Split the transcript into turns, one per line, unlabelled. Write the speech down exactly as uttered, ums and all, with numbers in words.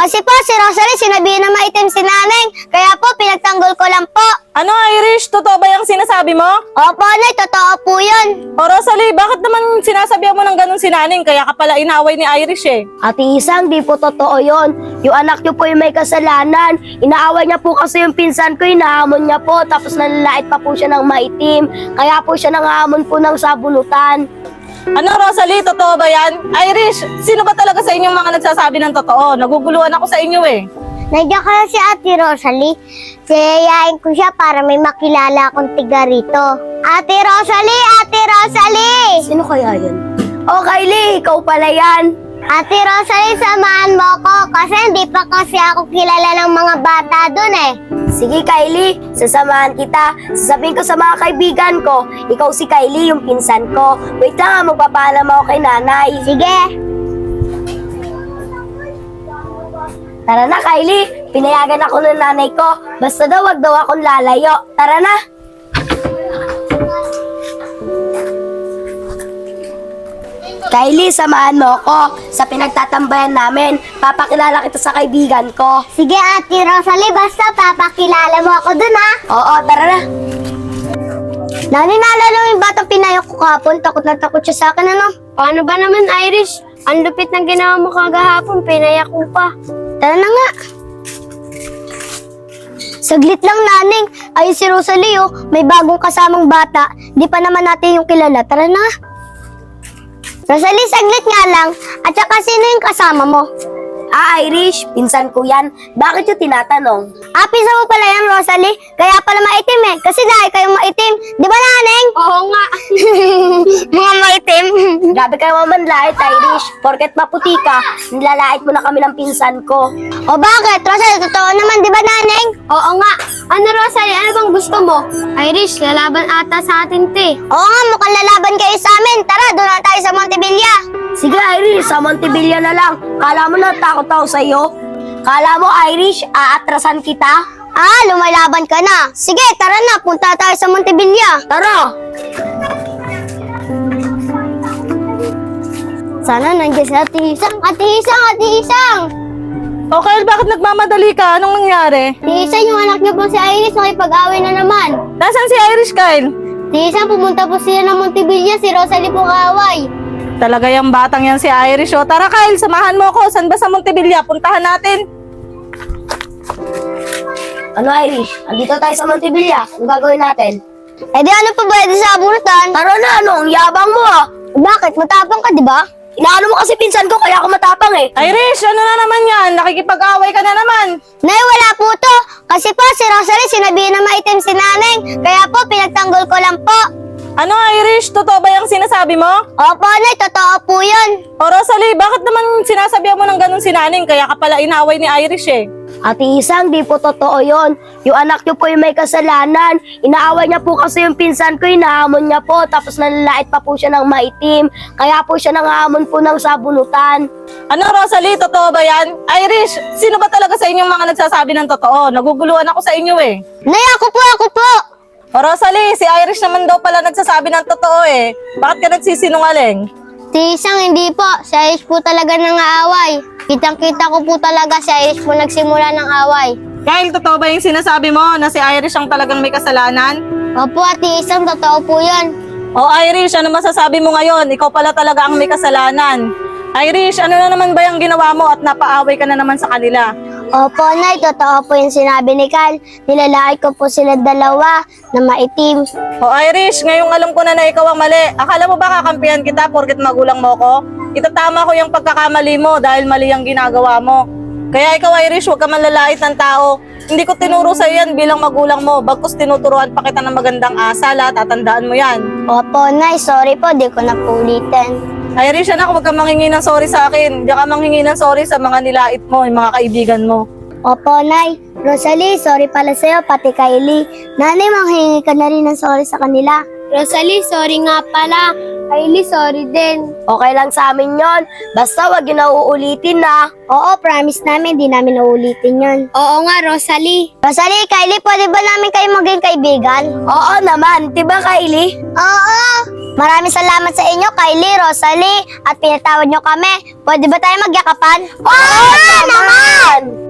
Kasi po, si Rosalie, sinabihan na maitim si Naneng. Kaya po, pinagtanggol ko lang po.
Ano, Irish? Totoo ba yung sinasabi mo?
Opo, Nay, totoo po yun.
O Rosalie, bakit naman sinasabihan mo ng ganun si Naneng? Kaya ka pala inaway ni Irish eh.
Ate Isang, di po totoo yon. Yung anak niyo po yung may kasalanan. Inaaway niya po kasi yung pinsan ko, hinahamon niya po. Tapos nalalait pa po siya ng maitim. Kaya po siya nangahamon po ng sabunutan.
Ano, Rosalie? Totoo ba yan? Irish, sino ba talaga sa inyong mga nagsasabi ng totoo? Naguguluhan ako sa inyo eh.
Nandiyan kaya si Ate Rosalie. Siyayain ko siya para may makilala akong tiga rito. Ate Rosalie! Ate Rosalie!
Sino kaya yan? Oh, Kylie, ikaw pala yan.
Ate Rosalie, samahan mo ko kasi hindi pa kasi ako kilala ng mga bata dun eh.
Sige, Kylie, sasamahan kita. Sasabihin ko sa mga kaibigan ko, ikaw si Kylie, yung pinsan ko. Wait lang, ah, magpapaalam ako kay nanay.
Sige.
Tara na, Kylie. Pinayagan ako ng nanay ko. Basta daw, wag daw akong lalayo. Tara na. Kylie, samahan mo ako sa pinagtatambayan namin. Papakilala kita sa kaibigan ko.
Sige, Ate Rosalie, basta papakilala mo ako dun ha.
Oo, tara na.
Nani, naalala mo yung batang pinayok ko kahapon? Takot na takot siya sa akin, ano? Paano ba naman, Irish? Ang lupit ng ginawa mo kagahapon, pinayak mo pa. Tara na nga. Saglit lang, Naning. Ayun si Rosalie, oh. May bagong kasamang bata. Di pa naman natin yung kilala. Tara na. Rosalie, saglit nga lang. At saka sino yung kasama mo?
Ah, Irish, pinsan ko yan. Bakit yung tinatanong?
Ah, pisa mo pala yan, Rosalie. Kaya pala maitim eh. Kasi dahil kayong maitim. Di ba, Naneng? Oo nga. Mga maitim.
Grabe kayo mamanlait, Irish. Porket maputi ka, nilalait mo na kami ng pinsan ko.
O bakit? Rosalie, totoo naman, di ba, Naneng? Oo nga. Ano, Rosalie? Ano bang gusto mo? Irish, lalaban ata sa atin, te. Oo nga, mukhang lalaban kayo sa amin. Tara, doon na tayo sa Montevilla.
Sige, Irish, sa Montevilla na lang. Kala mo na takot ako sa'yo? Kala mo, Irish, aatrasan kita?
Ah, lumalaban ka na. Sige, tara na. Punta tayo sa Montevilla.
Tara!
Sana nandiyan si Ate Isang. Ate Isang, Ate Isang!
O Kyle, bakit nagmamadali ka? Anong nangyari?
Ate Isang, yung anak niyo po si Iris, makipag-away na naman.
Nasaan si Irish, Kyle?
Ate Isang, pumunta po sila ng Montevilla. Si Rosalie po kaaway.
Talaga yung batang yan si Irish. O tara Kyle, samahan mo ko. Saan ba sa Montevilla? Puntahan natin.
Ano, Irish? Andito tayo sa Montevilla. Ano gagawin natin?
Eh di ano pa ba di sa abunutan?
Tara na, ano? Ang yabang mo, ah.
Bakit? Matapang ka, di ba?
Inaano mo kasi pinsan ko, kaya ako matapang, eh.
Irish, ano na naman yan? Nakikipag-away ka na naman.
Nay, wala po to. Kasi po si Rosalie sinabihan na maitim si Naneng. Kaya po, pinagtanggol ko lang po.
Ano, Irish? Totoo ba yung sinasabi mo?
Opo, Nay, totoo po yun.
O Rosalie, bakit naman sinasabihan mo ng ganun si Naneng? Kaya ka pala inaway ni Irish eh.
Ate Isang, di po totoo yon. Yung anak niyo po yung may kasalanan. Inaaway niya po kasi yung pinsan ko, hinahamon niya po. Tapos nalalait pa po siya ng maitim. Kaya po siya nangahamon po ng sabunutan.
Ano, Rosalie? Totoo ba yan? Irish, sino ba talaga sa inyong mga nagsasabi ng totoo? Naguguluhan ako sa inyo eh.
Nay, ako po, ako po.
O Rosalie, si Irish naman daw pala nagsasabi ng totoo eh. Bakit ka nagsisinungaling?
Si Isang, hindi po. Si Iris po talaga nang aaway. Kitang-kita ko po talaga si Iris po nagsimula ng away.
Kyle, totoo ba yung sinasabi mo na si Irish ang talagang may kasalanan?
Opo, Ate Isang, totoo po yun.
O Irish, ano masasabi mo ngayon? Ikaw pala talaga ang may kasalanan. Irish, ano na naman ba yung ginawa mo at napaaway ka na naman sa kanila?
Opo, Nay, totoo po yung sinabi ni Carl. Nilalait ko po sila dalawa na maitim.
O Irish, ngayong alam ko na na ikaw ang mali. Akala mo ba kakampihan kita porket magulang mo ko? Itatama ko yung pagkakamali mo dahil mali ang ginagawa mo. Kaya ikaw Irish, huwag ka manlalait ng tao. Hindi ko tinuro sa yan bilang magulang mo. Bagkus tinuturuan pa kita ng magandang asal at tatandaan mo yan.
Opo, Nay, sorry po, di ko na po ulitin.
Irish, anak, huwag ka manghingi ng sorry sa akin. Hindi ka manghingi ng sorry sa mga nilait mo, yung mga kaibigan mo.
Opo, Nay. Rosalie, sorry pala sa'yo, pati Kylie. Nanay, manghingi ka na rin ng sorry sa kanila. Rosalie, sorry nga pala. Kylie, sorry din.
Okay lang sa amin yon. Basta wag yun na uulitin na.
Oo, promise namin, di namin nauulitin yun. Oo nga, Rosalie. Rosalie, Kylie, pwede ba namin kayo maging kaibigan?
Oo naman, diba Kylie?
Oo! Maraming salamat sa inyo, Kylie, Rosalie, at pinatawad nyo kami. Pwede ba tayo magyakapan? Oo naman!